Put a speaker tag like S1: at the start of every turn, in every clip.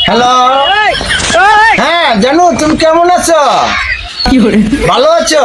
S1: Hello, হ্যাঁ জানু, তুমি কেমন আছো? ভালো আছো?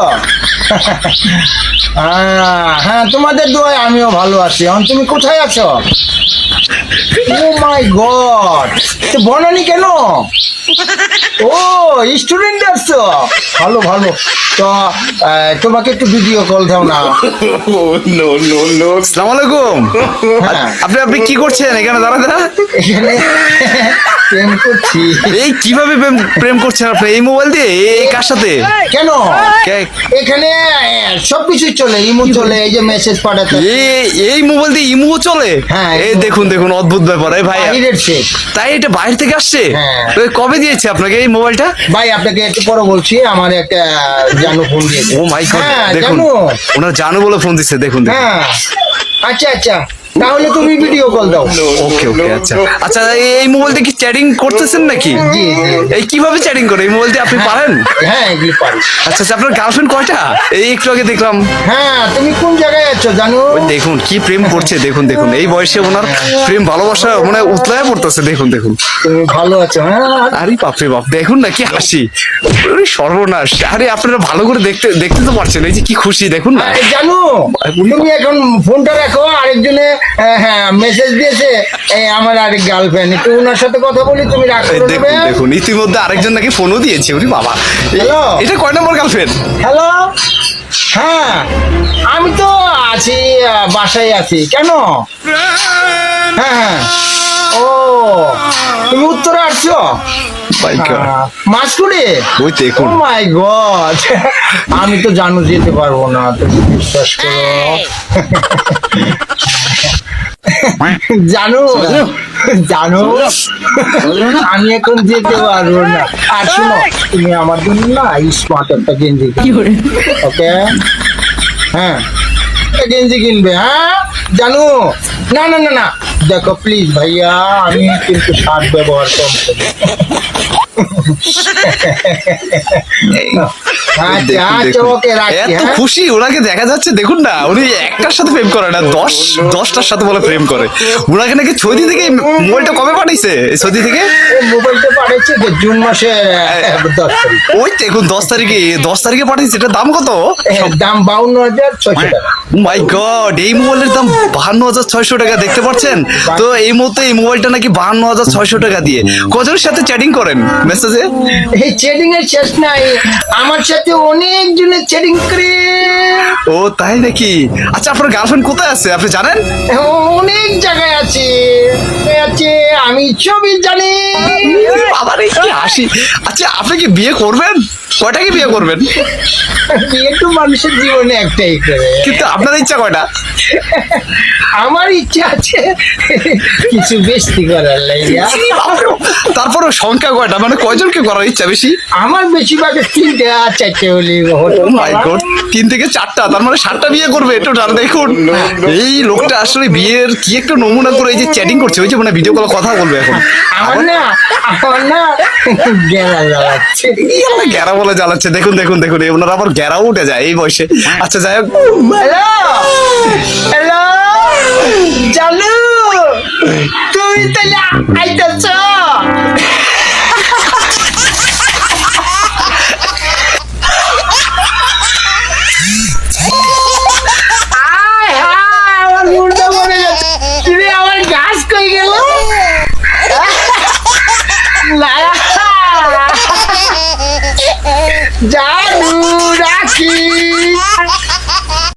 S1: হ্যাঁ, তোমাদের দোয়ায় আমিও ভালো আছি। এখন তুমি কোথায় আছো? ও মাই গড, বনানি কেন? ও, স্টুডেন্ট আসছো? ভালো ভালো। তো তোমাকে একটু ভিডিও কল দাও না।
S2: আসসালামু আলাইকুম।
S1: হ্যাঁ।
S2: আপনি কি করছেন এখানে দাঁড়া?
S1: এখানে প্রেম করছি।
S2: এই কিভাবে প্রেম করছেন আপনি এই মোবাইল দিয়ে? এই কার সাথে?
S1: কেন?
S2: কে-
S1: এখানে সবকিছু চলে, ইমো চলে, এই যে মেসেজ পাঠাতে।
S2: এই মোবাইল দিয়ে ইমো চলে?
S1: হ্যাঁ,
S2: এই দেখুন অদ্ভুত ব্যাপার। এই ভাই,
S1: বাহিরের শেখ।
S2: তাই এটা বাইরে থেকে আসছে?
S1: হ্যাঁ।
S2: তো কবে দিয়েছে আপনাকে এই মোবাইলটা?
S1: ভাই, আপনাকে একটু পরে বলছি, আমার একটা জানু ফোন দিয়েছে।
S2: ও মাই গড,
S1: হ্যাঁ,
S2: দেখুন
S1: জানু।
S2: ওনার জানু বলে ফোন দিচ্ছে। দেখুন
S1: হ্যাঁ, আচ্ছা আচ্ছা, তাহলে তুমি ভিডিও কল দাও।
S2: ওকে ওকে, আচ্ছা আচ্ছা। এই মোবাইলটা কি চ্যাটিং করতেছেন নাকি?
S1: জি জি।
S2: এই কিভাবে চ্যাটিং করে এই মোবাইল দিয়ে আপনি পারেন?
S1: হ্যাঁ, এগুলি পারি।
S2: আচ্ছা আচ্ছা, আপনার গার্লফ্রেন্ড কয়টা? এই একটু আগে দেখলাম।
S1: হ্যাঁ, তুমি কোন জায়গায় আছো জানু?
S2: ওই দেখুন কি প্রেম করছে, দেখুন এই বয়সে ওনার প্রেম ভালোবাসা মানে উতলায় পড়তেছে। দেখুন
S1: তুমি ভালো আছো? হ্যাঁ।
S2: আরে বাপরে বাপ, দেখুন না কি হাসি। ওরে সর্বনাশ। আরে আপনারা ভালো করে দেখতে দেখতে তো পারছেন, এই যে কি খুশি দেখুন না।
S1: জানু, তুমি এখন ফোনটা রাখো। আরেকজনে মেসেজ দিয়েছে, এই আমার আরেক গার্লফ্রেন্ড, একটু ওনার সাথে কথা বলি, তুমি রাখ
S2: এই
S1: করে
S2: দেখুন
S1: দেবে।
S2: ইতিমধ্যে আরেকজন নাকি ফোনও দিয়েছে। ওরে বাবা,
S1: হ্যালো।
S2: এটা কয় নম্বর গার্লফ্রেন্ড?
S1: হ্যালো, হ্যাঁ আমি তো আছি, বাসায় আছি। কেন? হ্যাঁ হ্যাঁ। ও, তুমি উত্তরে আসছো? মাসকুড়ি?
S2: ওই দেখুন।
S1: ও মাই গড, আমি তো জানু যেতে পারবো না, তুমি বিশ্বাস করো। জানো জানো, আমি এখন যেতে পারবো না। আর শোনো, তুমি আমার জন্য না স্মার্ট একটা গেঞ্জি ওকে? হ্যাঁ, একটা গেঞ্জি কিনবে। হ্যাঁ জানো, না না না না, দেখো প্লিজ ভাইয়া, আমি কিন্তু শার্ট ব্যবহার কম করি। আচ্ছা আচ্ছা, ওকে রাখছি।
S2: এত
S1: হ্যাঁ,
S2: খুশি ওনাকে দেখা যাচ্ছে। দেখুন না, উনি একটার সাথে প্রেম করে না, 10টার সাথে বলে প্রেম করে। উনাকে নাকি সৌদি থেকে মোবাইলটা কবে পাঠাইছে? এই সৌদি থেকে
S1: এই মোবাইলটা পাঠাচ্ছি যে জুন মাসের 10 তারিখ।
S2: ওই দেখুন 10 তারিখে পাঠাইছে। এটার দাম কত?
S1: দাম 52,600 টাকা।
S2: মাই গড, এই মোবাইলের দাম 52,600 টাকা। দেখতে পাচ্ছেন তো? এই মুহূর্তে এই মোবাইলটা নাকি 52,600 টাকা দিয়ে কজনের সাথে চ্যাটিং করেন মেসেজে?
S1: এই চ্যাটিং এর শেষ নাই, আমার সাথে অনেক জনের চ্যাটিং করে।
S2: ও তাই নাকি? আচ্ছা, আপনার গার্লফ্রেন্ড কোথায় আছে আপনি জানেন?
S1: অনেক জায়গায় আছে আছে, আমি সবই জানি।
S2: আবার এই কি হাসি। আচ্ছা, আপনি কি বিয়ে করবেন? কয়টাকে বিয়ে করবেন?
S1: বিয়ে তো মানুষের জীবনে একটাই করে।
S2: কিন্তু আপনার ইচ্ছা কয়টা?
S1: আমার ইচ্ছা আছে কিছু বেশি করার লাইয়া।
S2: তারপরে সংখ্যা কয়টা, মানে কয়জনকে করার ইচ্ছা বেশি?
S1: আমার বেশিরভাগ 3টে আর 4টে হলে হতো।
S2: মাই গড, 3 থেকে 4টা, তার মানে 7টা বিয়ে করবে টোটাল। দেখুন এই লোকটা আসলে বিয়ের কি একটা নমুনা করে এই যে চ্যাটিং করছে। ওই যে মানে ভিডিও কলে কথা বলবে এখন।
S1: আমার না গেলা জ্বালাচ্ছে।
S2: গ্যারা বলে জ্বালাচ্ছে। দেখুন এই ওনার আবার গ্যারাও উঠে যায় এই বয়সে। আচ্ছা যাই হোক,
S1: হ্যালো হ্যালো, জানু, তুমি তাহলে আইতাছ? আয় হায়, আমার মুন্ডা মরে যাচ্ছে। তুমি আমার গাছ কই গেল? না, জানু রাখ